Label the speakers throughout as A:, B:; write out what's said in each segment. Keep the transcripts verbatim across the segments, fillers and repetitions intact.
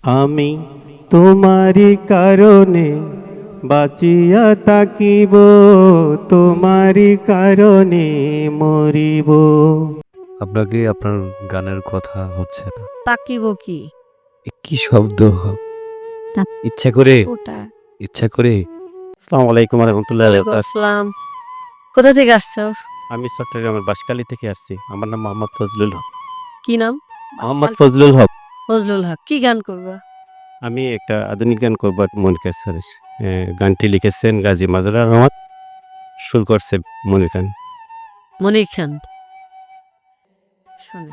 A: আমি তোমারি কারণে বাঁচিয়া থাকিব, তোমারি কারণে মরিব।
B: আপনাকে আপনার গানের কথা হচ্ছে না।
C: তাকিব কি
B: এ কি শব্দ?
C: তা-
B: ইচ্ছা করে
C: ওটা
B: ইচ্ছা করে
A: আসসালামু আলাইকুম রহমতুল্লাহ।
C: আসসালাম। কোথা থেকে আসছো?
A: আমি চট্টগ্রামের বাঁশখালী থেকে আসছি। আমার নাম মোহাম্মদ ফজলুল হক।
C: কি নাম?
A: মোহাম্মদ ফজলুল হক।
C: ফজলুল হক। কি গান করবা?
A: আমি একটা আধুনিক গান করবো মনির স্যার। গানটি লিখেছেন গাজী মাজহার রহমান, সুর করছে মনির খান।
C: মনির খান। শুনে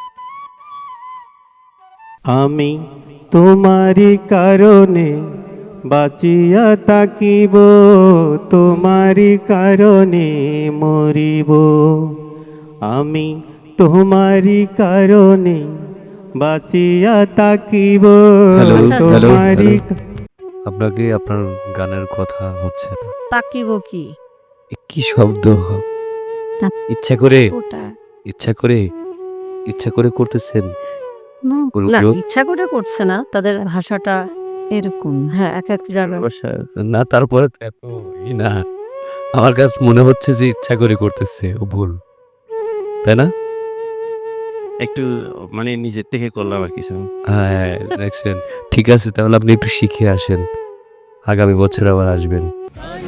A: আমি তোমারি কারণে বাঁচিয়া থাকিব, তোমারি কারণে মরিব। আমি তোমারি কারণে বাঁচিয়া থাকিব,
B: হ্যালো,
C: হ্যালো,
A: তোমারি
B: হ্যালো। আপনাকে আপনার গানের কথা হচ্ছে না।
C: তাকিব কি
B: এ কি শব্দ?
C: তা-
B: ইচ্ছা করে
C: ওটা
B: ইচ্ছা করে ইচ্ছা করে করতেছেন।
C: না,
B: ওগুলো
C: ইচ্ছা করে করছে না, তাদের ভাষাটা এরকম। হ্যাঁ, এক এক জায়গায়
B: না, তারপরে তো এত ই না। আমার কাছে মনে হচ্ছে যে ইচ্ছা করে করতেছে, ও ভুল, তাই না?
A: একটু মানে নিজের থেকে করলাম আর কিছু।
B: হ্যাঁ, দেখছেন। ঠিক আছে, তাহলে আপনি একটু শিখে আসেন, আগামী বছর আবার আসবেন।